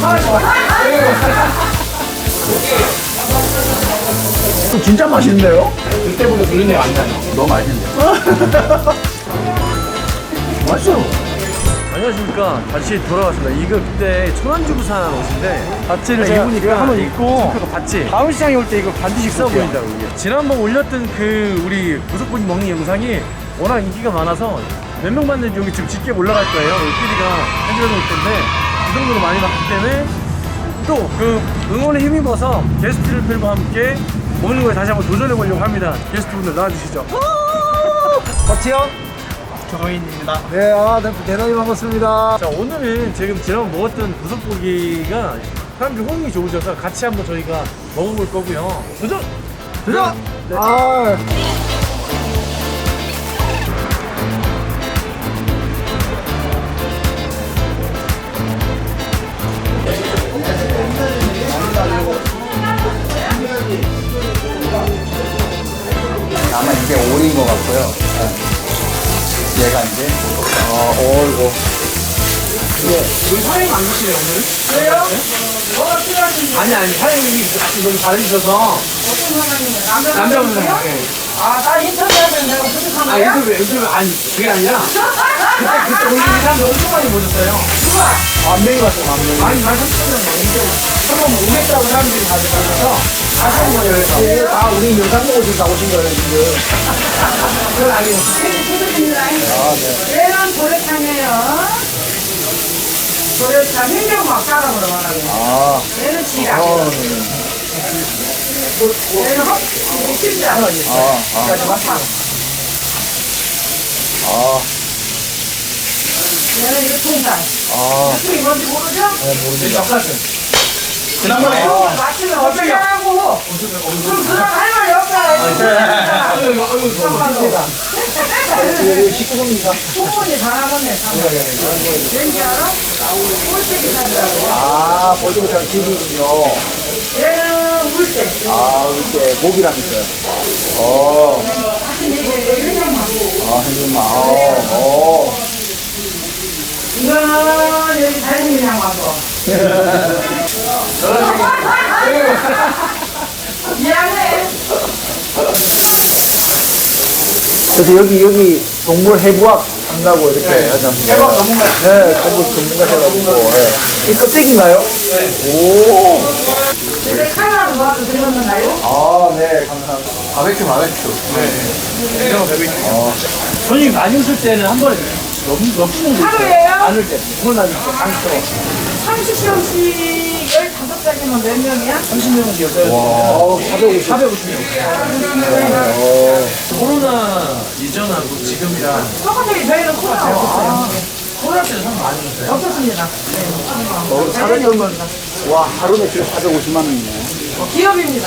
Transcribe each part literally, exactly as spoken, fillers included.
진짜 맛있는데요? 그때보다 누린내 안 나요. 너무 맛있는데요? 맛있어요. 안녕하십니까. 다시 돌아왔습니다. 이거 그때 천안주부산 옷인데 바지를 제가 입으니까 한번 입고 그 바지 다음 시장에 올 때 이거 반드시 있어 입고 올게요. 보인다고 이게. 지난번 올렸던 그 우리 부속분이 먹는 영상이 워낙 인기가 많아서 몇 명 봤는지 여기 지금 짙게 올라갈 거예요. 우리 피디가 해주려 놓을 텐데 그 정도로 많이 봤기 때문에 또 그 응원에 힘입어서 게스트를 팬과 함께 먹는 거에 다시 한번 도전해 보려고 합니다. 게스트분들 나와주시죠. 버티요? 정호인입니다. 네, 아, 네, 대단히 반갑습니다. 자, 오늘은 지금 지난번 먹었던 부석고기가 사람들이 호응이 좋으셔서 같이 한번 저희가 먹어볼 거고요. 도전! 도전! 네. 아, 아마 이게 오리인 것 같고요. 네. 얘가 이제, 어, 어이고. 우리 사장님 안 드시네요, 오늘? 왜요? 뭐가 필요하신지. 아니, 아니, 사장님이 같이 너무 잘해주셔서. 어떤 사람이에요? 남자분 사장님. 아, 나 인터뷰하면 내가 부족한 아, 거야? 인터뷰, 인터뷰, 아니, 그게 아니라. 그때, 그때 우리 사람들 엄청 많이 모셨어요. 누가? 만 명이 왔어요, 만 명이. 아니, 한 삼천 명 넘는데. 한번 오겠다고 사람들이 다들 가셔서. 하신 거예요, 그래서. 다 우리 영상 보고 지금 나오신 거예요, 지금. 그건 아니에요. 아, 네. 얘는 도래탕이에요. 도래탕 행정막 따라보러 말하고. 아, 얘는 지라. 어, 얘는 헛, 심장. 아, 아, 아, 얘는 이거 통닭. 아. 이게 뭔지 모르죠? 네, 젓가락. 지난번에. 어, 맞추면 어떻게 하고. 그럼 그런 할 말이 없잖아. 여기 십구 번입니다. 충분히 잘하겠네. 왠지 알아? 꼴찌기 사주라고. 아, 벌써부터 집이군요. 얘는 물때. 아, 이렇게 목이랑 있어요. 어, 아, henchman. 어, 어. 이거는 여기 달님이랑 와서. 미안해. 그래서 여기, 여기 동물 해부학 한다고 이렇게 하지 않습니까? 해부학 전문가. 네, 해부학 전문가 해가지고. 네. 이 껍데기인가요? 네. 오. 근데 칼라는 뭐하고 들었나요? 아, 네, 감사합니다. 바베큐, 바베큐. 네. 이런 거 배고 있는 거. 손님이 많이 웃을 때는 한 번에 넘, 넘치는 거 있어요. 하루예요? 안 올 때. 그건 아니죠. 강처럼. 삼십 명씩 열다섯 장이면 몇 명이야? 삼십 명이었어요. 와, 사백오십. 사백오십 명. 어. 코로나 이전하고 지금이랑 똑같이 저희는 코로나 없었어요. 코로나 때는 사람 많이 오셨어요? 없었습니다. 어, 사백 명은, 와, 하루 매출 사백오십만 원이네. 기업입니다.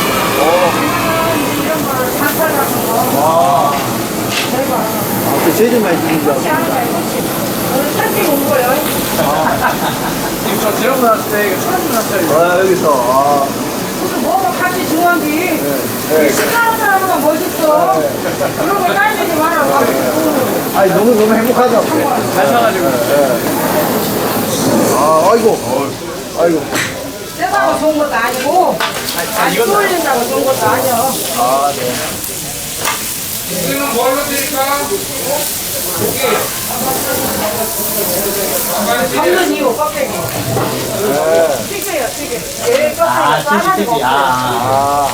이런 걸 장사 같은 거. 와. 저희가 아, 그 제일 많이 주는 줄 그렇게 알았습니다. 하는 거 알고 오늘 살게 온 거예요. 지금 저 지난번 왔을 때 이거 천안분 왔어요. 아, 여기서. 아, 무슨 뭐가 같이 중요한지. 네. 식사하는 사람보다 멋있어. 그런 거 따지지 말라고. 아니, 너무, 너무 행복하죠. 잘 사가지고. 아, 아이고. 아이고. 세다고 좋은 것도 아니고, 안 쏠린다고 좋은 것도 아니야. 아, 네. 지금은 뭘로 드릴까? 잡는 이유, 껍데기. 튀겨요, 튀겨. 얘 껍데기 싸가지가 없어요. 아.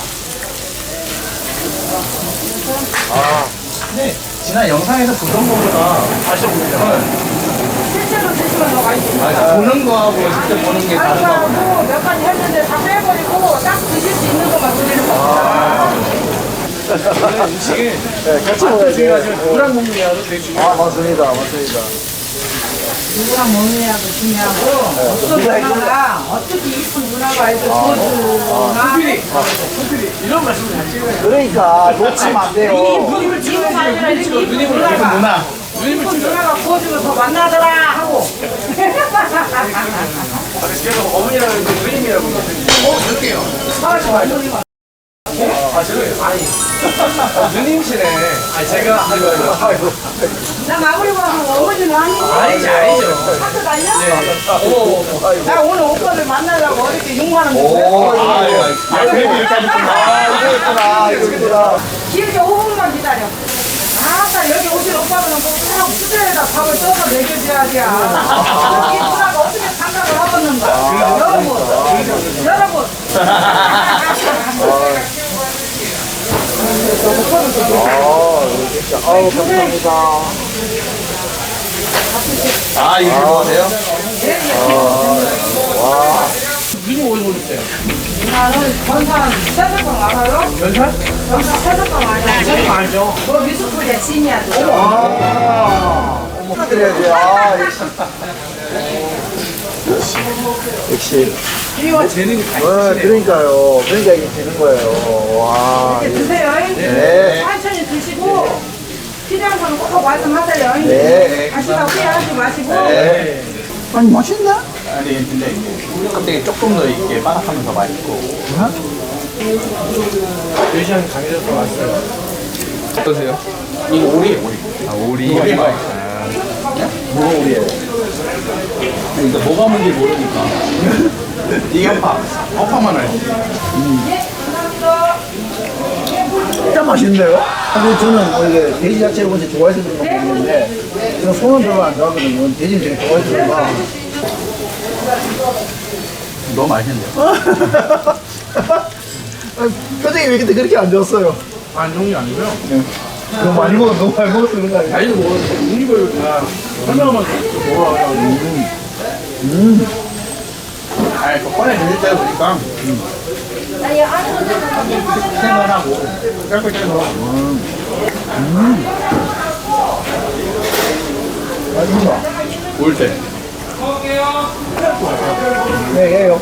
아. 네. 지난 영상에서 보던 거보다 다시 보니까 실제로 드시면 더 맛있어요. 보는 거하고 직접 보는 게 다른 거구나. 다른 몇 가지 했는데 다 빼버리고 딱 드실 수 있는 것만 드리는 거예요. 저는 음식을 네, 같이 맛도 먹어야지. 중요하지만 누구랑 먹느냐도 되게 중요해요. 아, 맞습니다. 맞습니다. 누구랑 먹느냐도 중요하고 어떤 문화가 어떻게 이쁜 문화가 있어 보여주나 소필이, 소필이 이런 말씀을 잘 찍어요. 그러니까, 놓치면 안 돼요. 누님을 찍어야지. 아니라 누님 찍어. 이렇게 누님을 문화가. 찍어. 누나. 누님을 이쁜 찍어. 누나가 구워주면 더 만나더라 하고 그래서 어머니라고 했는데 누님이라고. 어, 그럴게요. 아, 좋아요. 아, 저는, 아니. 누님이시네. 아니, 제가, 아이고, 아이고. 나 마무리 보면 어머니는 아니고. 아니지, 아니죠. 학교 다녀? 어머, 어머, 어머. 나 오늘 오빠를 만나려고 어저께 육만 원 줬어. 오, 아, 아, 그래도 여기까지 있구나. 아, 이거 있구나. 이거 있구나. 길게 오 분만 기다려. 아따 여기 오실 오빠는 꼭 수저에다 밥을 떠서 먹여줘야지. 여기 누나가 어떻게 생각을 하겠는가. 여러분, 여러분. 아우, 감사합니다. 아, 이거 좋아하세요? 누님 어디서 오셨어요? 나는 건산 세석방 알아요? 연산? 건산 세석방 아니야? 저는 알죠. 너 미숫풀이야 진이야. 아, 축하드려야지. 아, 역시. 역시. 끼와 재능이 다 어, 그러니까요. 그러니까 이게 되는 거예요. 와. 이제 드세요. 네. 천천히 드시고 필요한 거는 꼭 말씀하세요. 네. 다시다 후회하지 마시고. 네. 아니, 맛있네? 아니, 근데 껍데기 조금 더 이게 바삭하면서 맛있고. 네 시간 강해져서 왔어요. 어떠세요? 이거 오리예요, 오리. 아, 오리. 오리 맛. 뭐가 오리예요? 그러니까 뭐가 뭔지 모르니까. 이게 허파. 허파만 알지. 진짜 맛있는데요? 근데 저는 원래 돼지 자체를 먼저 좋아해서 그런 건 모르겠는데 저는 소는 별로 안 좋아하거든요. 돼지는 되게 좋아해서 그런가. 너무 맛있는데요? 아니, 표정이 왜 근데 그렇게 안 좋았어요? 안 좋은 게 아니고요. 너무 많이 먹어, 너무 많이 먹어서 그런 거 아니에요? 아니, 뭐, 누님을 다 설명하면 뭐라 아니, 그 꺼내 드실 때 보니까 생각하고 깔끔해서 맛있다. 올 때. 네, 예요.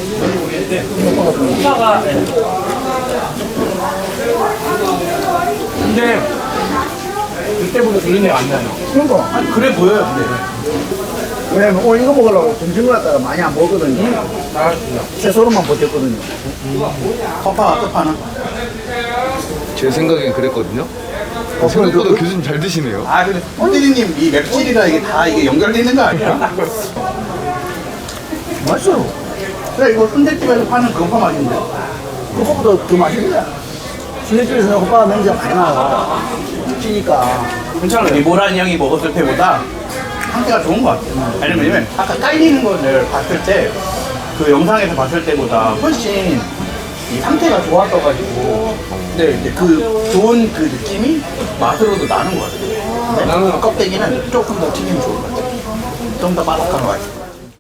근데, 그때보다 누님이 안 나요. 그러니까. 그래 보여요, 근데. 왜냐면 오늘 이거 먹으려고 점심을 갖다가 많이 안 먹거든요. 나가주세요. 채소로만 버텼거든요. 허파가 끝파나? 제 생각엔 그랬거든요. 어, 생각보다 교수님 잘 드시네요. 아, 근데 손대리님 이 맵찔이가 이게 다 이게 연결돼 있는 거 아니야? 맛있어요. 그래, 이거 순대집에서 파는 그 허파 맛인데. 그거보다 더 맛있네. 순대집에서는 호빠가 냄새가 많이 나요. 찌니까. 괜찮아요. 이 모란 형이 먹었을 때보다 상태가 좋은 것 같아요. 왜냐면 아까 깔리는 거를 봤을 때 그 영상에서 봤을 때보다 훨씬 이 상태가 좋았어가지고 근데 이제 그 좋은 그 느낌이 맛으로도 나는 것 같아요. 나는 껍데기는 조금 더 튀기면 좋을 것 같아요. 좀 더 바삭한 것 같아요.